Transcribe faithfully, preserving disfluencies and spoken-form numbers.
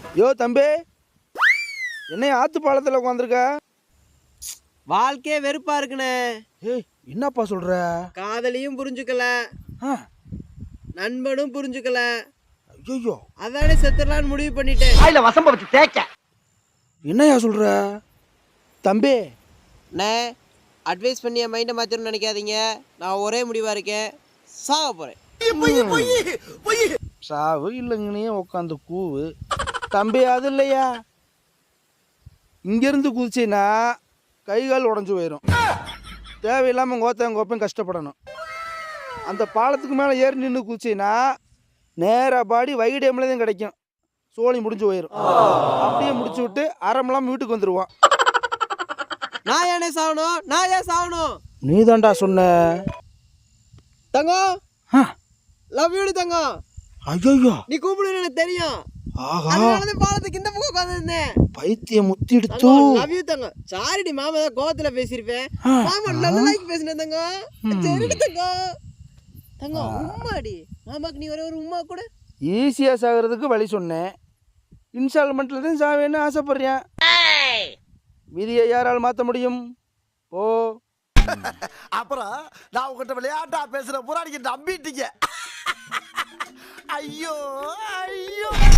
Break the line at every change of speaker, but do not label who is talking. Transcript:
யோ தம்பி, என்னைய ஆத்து பாலத்தில் உட்காந்துருக்க?
வாழ்க்கையே வெறுப்பா இருக்குண்ணே.
ஏய், என்னப்பா சொல்ற?
காதலியும் புரிஞ்சுக்கல,
ஆ,
நண்பனும் புரிஞ்சுக்கல.
ஐயோ,
அதானே செத்துடலான்னு முடிவு பண்ணிட்டேன்.
வாயில வசம்ப வச்சு தேய்க்க.
என்னையா சொல்ற தம்பி?
அண்ணே, அட்வைஸ் பண்ணி என் மைண்டை மாற்றணும்னு நினைக்காதீங்க. நான் ஒரே முடிவாக இருக்கேன், சாக போகிறேன்.
சாவு இல்லைங்கன்னே உட்காந்து கூவு தம்பி. அது இல்லையா, இங்கேருந்து குதிச்சின்னா கை கால் உடஞ்சி போயிடும். தேவையில்லாமல் கோத்தையும் கோப்பையும் கஷ்டப்படணும். அந்த பாலத்துக்கு மேலே ஏறி நின்று குதிச்சின்னா நேராக பாடி வைடேமில் தான் கிடைக்கும். சோழி முடிஞ்சு போயிடும். அப்படியே முடிச்சு விட்டு அறமெல்லாம் வீட்டுக்கு வந்துடுவான்.
நான் ஏனே சாகணும்? நான் ஏன் சாகணும்?
நீ தான்டா சொன்ன.
தங்கம், லவ் யூ தங்கம்.
ஐயோ,
நீ கூப்பிடுன்னு எனக்கு தெரியும்.
ஆஹா,
அதனால பாலத்துக்கு இந்த பக்கம் உட்காந்துருந்தேன்.
பைத்தியம் முத்தி எடுத்து.
லவ் யூ தங்கம். சாரிடி மாமா, தான் கோவத்துல பேசியிருப்பேன். மாமா நல்ல லைக் பேசினேன் தங்கம். சரிடி தங்கம். தங்கம் உம்மாடி, மாமாக்கு நீ ஒரே ஒரு உம்மா கூட.
ஈஸியாக சாகிறதுக்கு வழி சொன்னேன். இன்ஸ்டால்மெண்ட்டில் தான் சாவேன்னு ஆசைப்படுறேன். விதியை யாரால் மாற்ற முடியும்? ஓ,
அப்புறம் நான் உங்ககிட்ட விளையாட்டா பேசுற பூரா நீங்க நம்பிட்டீங்க. ஐயோ ஐயோ.